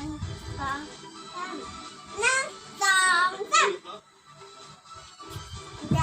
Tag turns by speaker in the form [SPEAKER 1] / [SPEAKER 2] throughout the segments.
[SPEAKER 1] สองสามหนึ่งสองสามใหญ่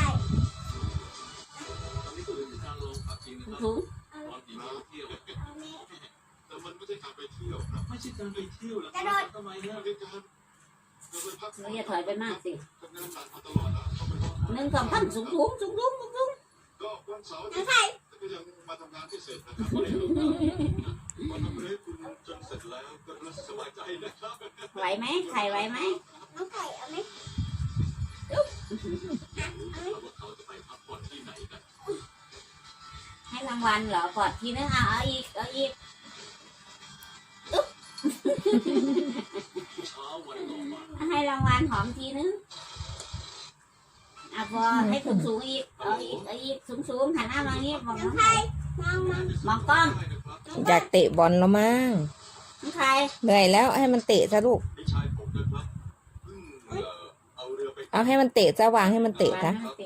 [SPEAKER 2] ถุง
[SPEAKER 1] เอานี้
[SPEAKER 3] แต่มันไม่ใช่การไปเที่ยวนะไม่ใช่การไปเที่ยวแล้ว
[SPEAKER 1] กระโดด
[SPEAKER 3] ทำไมเนี่ยเป็นการเราไปพัก
[SPEAKER 2] เราอย่าถอยไปมากสิ
[SPEAKER 3] ทำงานหนักมาตลอดแล้วเขาไปพัก
[SPEAKER 2] หนึ่งสองสามสูง
[SPEAKER 3] ก็วันเสาร์อาทิตย์ก็ยังมาทำงานที่เสร็จนะครับวันนี้วันทำให้คุณจนเสร็จแล้วก็รู้สึกสบายใจนะครับ
[SPEAKER 2] ไหวไหมไข่ไหวไหม
[SPEAKER 1] น้องไข่เอาไหม
[SPEAKER 3] เราว่าเขาจะไปพักผ่อนที่ไหนกัน
[SPEAKER 2] ให้รางวัลเหรอกอดทีนึงเอาอีก
[SPEAKER 3] เช้าวันต่อมา
[SPEAKER 2] ให้รางวัลหอมทีนึงพอให้สูงอีกเอาอีกสูงหันหน้ามาอย่างนี้มอง
[SPEAKER 1] น้
[SPEAKER 2] น้
[SPEAKER 1] อ
[SPEAKER 2] อง ง
[SPEAKER 1] ไข่
[SPEAKER 2] ไข่
[SPEAKER 1] มอง
[SPEAKER 2] มองกล้อง
[SPEAKER 4] อยากเตะบอลแล้วมั้ง
[SPEAKER 2] น้องไข่
[SPEAKER 4] เหนื่อยแล้วให้มันเตะซะลูก
[SPEAKER 3] พี่ชายผมนะครับเพิ่งเอาเรือไป
[SPEAKER 4] เอาให้มันเตะซะวางให้มันเตะซะ
[SPEAKER 3] แต่เมื่อกี้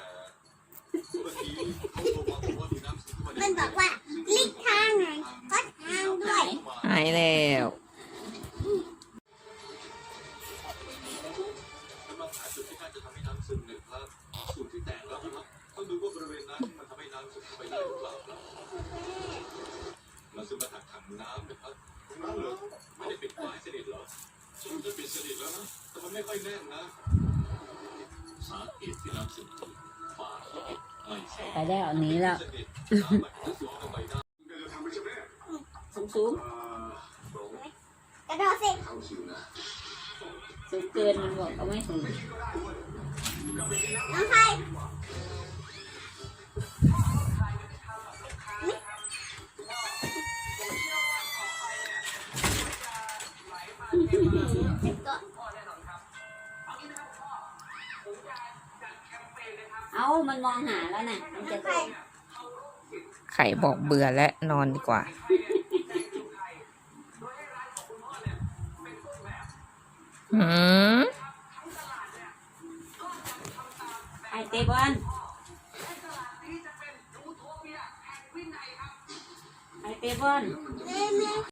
[SPEAKER 3] เขาโทรมาบอกว่ามีน้ำซึมเข้ามาใน
[SPEAKER 1] มันบอกว่าลิกทางหน่อยก็ทางด้วย
[SPEAKER 4] หายแล้ว
[SPEAKER 3] กำลังหาจุดที่น่าจะทำให้น้ำซึมนะครับจุดที่แตกแล้วนะครับต้องดูว่าบริเวณนั้นมันทำให้น้ำซึมเข้าไปได้หรือเปล่าครับมันซึมมาจากถังน้ำนะครับตรงนั้นเหรอไม่ได้ปิดฝาสนิทเหรอฉันจะปิดสนิทแล้วนะแต่มันไม่ค่อยแน่นนะสาเหตุที่น้ำซึมคือฝาไม่ใช่
[SPEAKER 2] ไปแล้วหนีแล้ว
[SPEAKER 3] สนิทน้ำมันจะซึมเข้าไปได้จะทำไม่ใช่ไหม
[SPEAKER 2] สูง
[SPEAKER 1] กระโดดสิ
[SPEAKER 3] เข้าชิวนะ
[SPEAKER 2] สูงเกินมันบอกเอาไม่ถึง
[SPEAKER 1] น้องไข่ก็
[SPEAKER 2] เอามันมองหาแล้วน่ะมันจะโดน
[SPEAKER 4] ไข่บอกเบื่อและนอนดีกว่าหืม
[SPEAKER 2] ไอเตะบอลไอเตะบอล
[SPEAKER 1] แม่